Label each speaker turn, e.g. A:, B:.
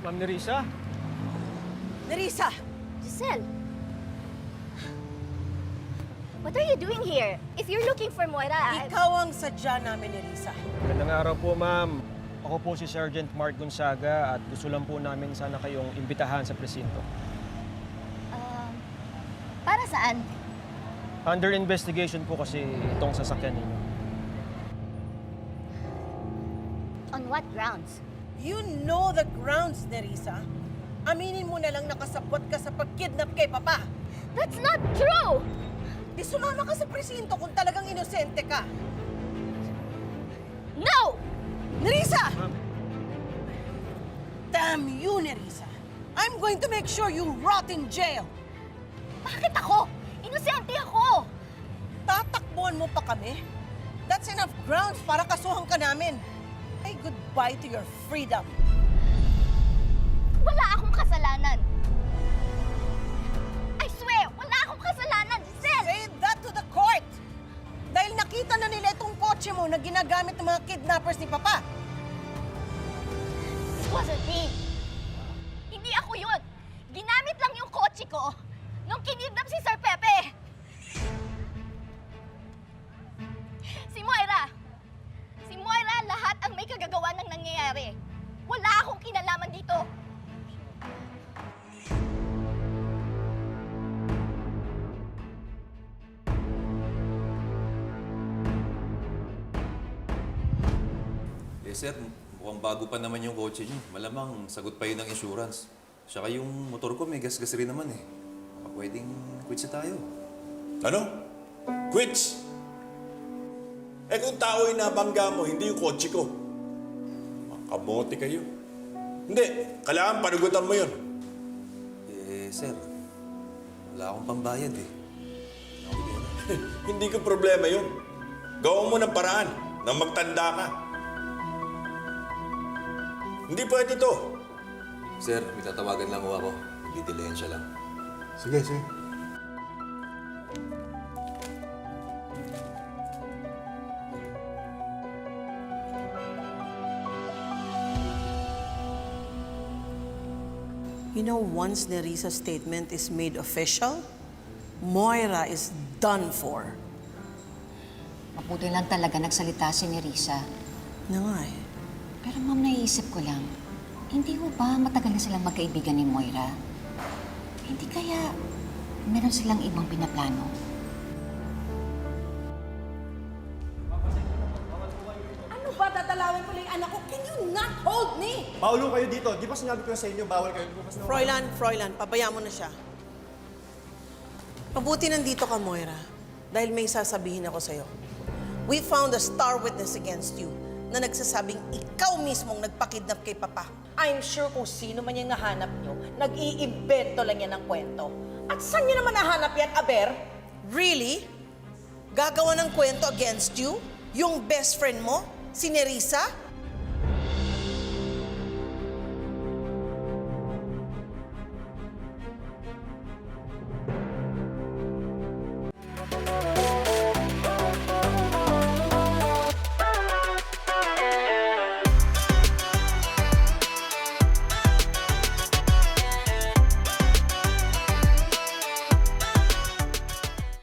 A: Ma'am Nerissa?
B: Nerissa!
C: Giselle! What are you doing here? If you're looking for Moira,
B: Ikaw ang sadya namin, Nerissa.
A: Magandang araw po, ma'am. Ako po si Sergeant Mark Gonzaga at gusto lang po namin sana kayong imbitahan sa presinto.
C: para saan?
A: Under investigation po kasi itong sasakyan ninyo.
C: On what grounds?
B: You know the grounds, Nerissa. Aminin mo na lang nakasabot ka sa pagkidnap kay Papa.
C: That's not true!
B: Di sumama ka sa presinto kung talagang inosente ka.
C: No!
B: Nerissa!
A: Ma'am.
B: Damn you, Nerissa. I'm going to make sure you rot in jail.
C: Bakit ako? Inosente ako!
B: Tatakbuhan mo pa kami? That's enough grounds para kasuhan ka namin. Ay, goodbye to your freedom.
C: Wala akong kasalanan. I swear, wala akong kasalanan, Giselle!
B: Say that to the court! Dahil nakita na nila itong kotse mo na ginagamit ng mga kidnappers ni Papa.
C: It wasn't me. Hindi ako yun. Ginamit lang yung kotse ko nung kinidnap si Sir Pepe. Si Moira. Si Moira lahat ang may kagagawa ng nangyayari. Wala akong kinalaman dito.
D: Eh sir, mukhang bago pa naman yung kotse niyo. Malamang sagot pa yun ng insurance. Saka yung motor ko may gas-gas rin naman eh. Baka pwedeng quits na tayo.
E: Ano? Quits? Eh kung tao yung nabangga mo, hindi yung kotse ko. Makamote kayo. Hindi, kailangan panugutan mo yun.
D: Eh sir, wala akong pambayad eh.
E: Hindi ko problema yun. Gawin mo ng paraan nang magtanda ka. Hindi pwede to.
D: Sir, may tatawagan lang ako. Didilayan siya lang.
E: Sige, sige.
B: You know, once Nerissa's statement is made official, Moira is done for.
F: Mabuti lang talaga nagsalita si Nerissa.
B: Na nga eh.
F: Pero ma'am, naiisip ko lang, hindi ho ba matagal na silang magkaibigan ni Moira? Hindi kaya meron silang ibang pinaplano?
B: Ano ba dadalawin ko lang yung anak ko? Can you not hold me?
G: Paulo kayo dito. Di ba sinabi ko na sa inyo, bawal kayo bukas na...
B: Froilan, pabayaan mo na siya. Mabuti nandito ka, Moira. Dahil may sasabihin ako sa'yo. We found a star witness against you na nagsasabing ikaw mismong nagpakidnap kay Papa.
H: I'm sure kung sino man yung nahanap nyo, nag-iimbento lang yan ng kwento. At saan nyo naman nahanap yan, Aber?
B: Really? Gagawa ng kwento against you? Yung best friend mo? Si Nerissa?